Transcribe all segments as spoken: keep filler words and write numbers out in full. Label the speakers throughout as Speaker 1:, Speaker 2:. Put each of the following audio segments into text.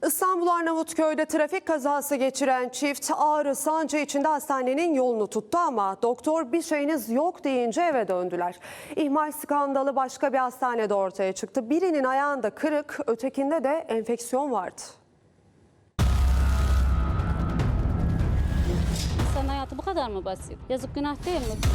Speaker 1: İstanbul Arnavutköy'de trafik kazası geçiren çift ağrı sancı içinde hastanenin yolunu tuttu ama doktor bir şeyiniz yok deyince eve döndüler. İhmal skandalı başka bir hastanede ortaya çıktı. Birinin ayağında kırık, ötekinde de enfeksiyon vardı.
Speaker 2: İnsan hayatı bu kadar mı basit? Yazık, günah değil mi?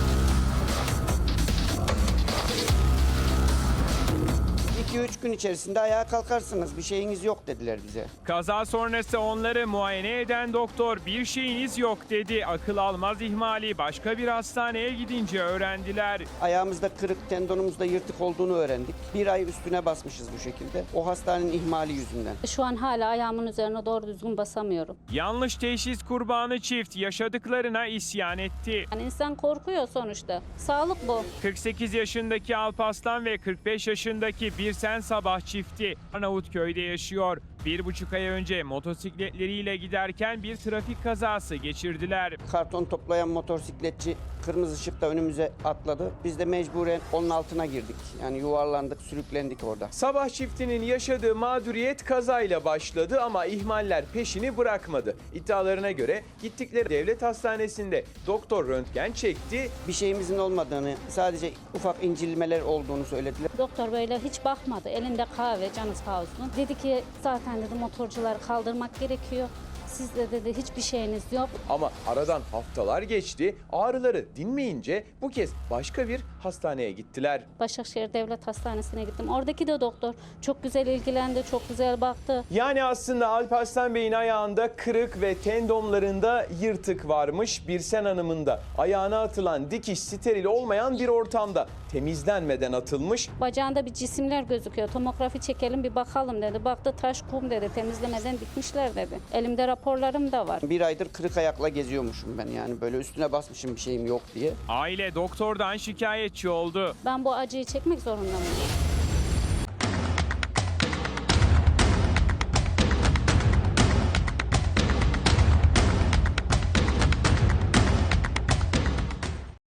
Speaker 3: iki üç gün içerisinde ayağa kalkarsınız. Bir şeyiniz yok dediler bize.
Speaker 4: Kaza sonrası onları muayene eden doktor bir şeyiniz yok dedi. Akıl almaz ihmali başka bir hastaneye gidince öğrendiler.
Speaker 3: Ayağımızda kırık, tendonumuzda yırtık olduğunu öğrendik. Bir ay üstüne basmışız bu şekilde. O hastanenin ihmali yüzünden.
Speaker 2: Şu an hala ayağımın üzerine doğru düzgün basamıyorum.
Speaker 4: Yanlış teşhis kurbanı çift yaşadıklarına isyan etti.
Speaker 2: Yani insan korkuyor sonuçta. Sağlık bu.
Speaker 4: kırk sekiz yaşındaki Alparslan ve kırk beş yaşındaki Birsen Sabah çifti Arnavutköy'de yaşıyor. Bir buçuk ay önce motosikletleriyle giderken bir trafik kazası geçirdiler.
Speaker 3: Karton toplayan motosikletçi kırmızı ışıkta önümüze atladı. Biz de mecburen onun altına girdik. Yani yuvarlandık, sürüklendik orada.
Speaker 5: Sabah çiftinin yaşadığı mağduriyet kazayla başladı ama ihmaller peşini bırakmadı. İddialarına göre gittikleri devlet hastanesinde doktor röntgen çekti.
Speaker 3: Bir şeyimizin olmadığını, sadece ufak incilmeler olduğunu söylediler.
Speaker 2: Doktor böyle hiç bakmadı. Elinde kahve, canı sağ olsun. Dedi ki zaten dedi motorcuları kaldırmak gerekiyor. Sizde dedi hiçbir şeyiniz yok.
Speaker 5: Ama aradan haftalar geçti. Ağrıları dinmeyince bu kez başka bir hastaneye gittiler.
Speaker 2: Başakşehir Devlet Hastanesi'ne gittim. Oradaki de doktor çok güzel ilgilendi, çok güzel baktı.
Speaker 5: Yani aslında Alparslan Bey'in ayağında kırık ve tendonlarında yırtık varmış. Birsen Hanım'ın da ayağına atılan dikiş steril olmayan bir ortamda temizlenmeden atılmış.
Speaker 2: Bacağında bir cisimler gözüküyor. Tomografi çekelim bir bakalım dedi. Baktı taş kum dedi. Temizlemeden dikmişler dedi. Elimde raporlarım da var.
Speaker 3: Bir aydır kırık ayakla geziyormuşum ben, yani böyle üstüne basmışım bir şeyim yok diye.
Speaker 4: Aile doktordan şikayetçi oldu.
Speaker 2: Ben bu acıyı çekmek zorunda mıyım?